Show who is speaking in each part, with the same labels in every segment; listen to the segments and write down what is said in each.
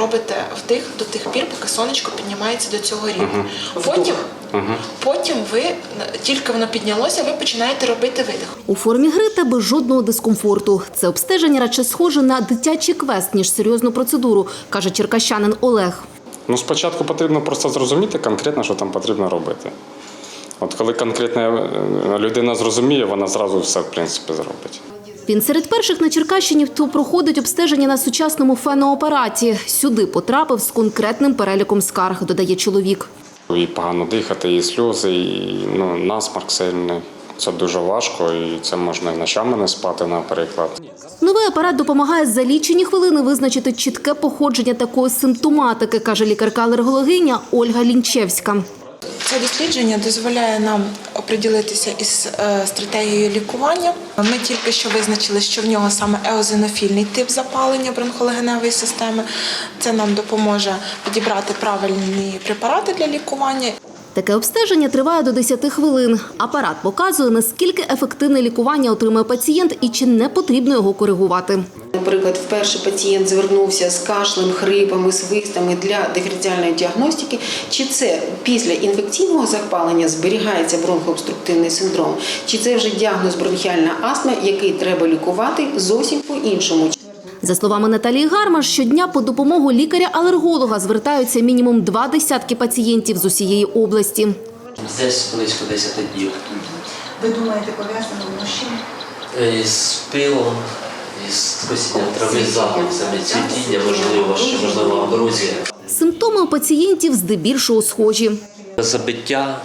Speaker 1: робите вдих до тих пір, поки сонечко піднімається до цього рівня. Потім ви, тільки воно піднялося, ви починаєте робити видих.
Speaker 2: У формі гри та без жодного дискомфорту. Це обстеження радше схоже на дитячий квест, ніж серйозну процедуру, каже черкащанин Олег.
Speaker 3: Спочатку потрібно просто зрозуміти конкретно, що там потрібно робити. От коли конкретна людина зрозуміє, вона зразу все, в принципі, зробить.
Speaker 2: Він серед перших на Черкащині, хто проходить обстеження на сучасному феноапараті. Сюди потрапив з конкретним переліком скарг, додає чоловік.
Speaker 3: І погано дихати, і сльози, і насморк сильний. Це дуже важко, і це можна і ночами не спати, наприклад.
Speaker 2: Новий апарат допомагає за лічені хвилини визначити чітке походження такої симптоматики, каже лікарка-алергологиня Ольга Лінчевська.
Speaker 1: Це дослідження дозволяє нам оприділитися із стратегією лікування. Ми тільки що визначили, що в нього саме еозинофільний тип запалення бронхолегеневої системи. Це нам допоможе підібрати правильні препарати для лікування.
Speaker 2: Таке обстеження триває до 10 хвилин. Апарат показує, наскільки ефективне лікування отримує пацієнт і чи не потрібно його коригувати.
Speaker 4: Наприклад, вперше пацієнт звернувся з кашлем, хрипами, свистами для диференціальної діагностики. Чи це після інфекційного запалення зберігається бронхообструктивний синдром, чи це вже діагноз бронхіальна астма, який треба лікувати зовсім по-іншому.
Speaker 2: За словами Наталії Гармаш, щодня по допомогу лікаря-алерголога звертаються мінімум 20 пацієнтів з усієї області.
Speaker 5: Десь близько 10 днів.
Speaker 6: Ви думаєте, пов'язано з чим?
Speaker 5: З пилом, з косінням трави, запахами, цвітіння, можливо, аброзія.
Speaker 2: Симптоми у пацієнтів здебільшого схожі.
Speaker 5: Забиття,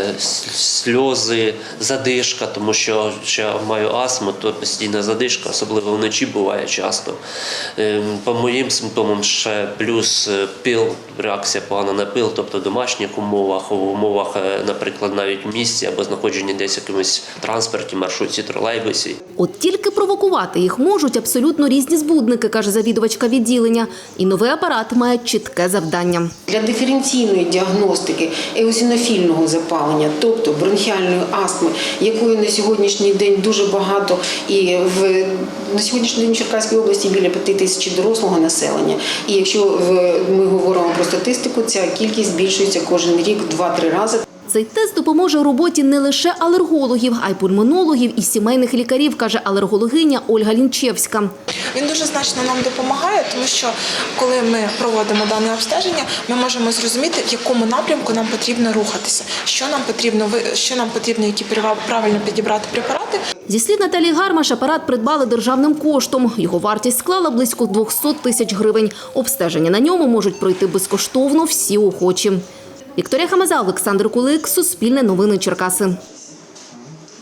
Speaker 5: сльози, задишка, тому що я маю астму, то постійна задишка, особливо вночі буває часто. По моїм симптомам ще плюс пил, реакція погана на пил, тобто в домашніх умовах, в умовах, наприклад, навіть в місті або знаходження десь в якомусь транспорті, маршрутці, тролейбусі.
Speaker 2: От тільки провокувати їх можуть абсолютно різні збудники, каже завідувачка відділення. І новий апарат має чітке завдання.
Speaker 4: Для диференційної діагностики еозинофільного запалення, тобто бронхіальної астми, якої на сьогоднішній день дуже багато, і на сьогоднішній день в Черкаській області біля 5 тисяч дорослого населення. І якщо ми говоримо про статистику, ця кількість збільшується кожен рік в 2-3 рази.
Speaker 2: Цей тест допоможе у роботі не лише алергологів, а й пульмонологів і сімейних лікарів, каже алергологиня Ольга Лінчевська.
Speaker 1: Він дуже значно нам допомагає, тому що коли ми проводимо дане обстеження, ми можемо зрозуміти, в якому напрямку нам потрібно рухатися, що нам потрібно, які правильно підібрати препарати.
Speaker 2: Зі слів Наталії Гармаш, апарат придбали державним коштом. Його вартість склала близько 200 тисяч гривень. Обстеження на ньому можуть пройти безкоштовно всі охочі. Вікторія Хамаза, Олександр Кулик, Суспільне новини Черкаси.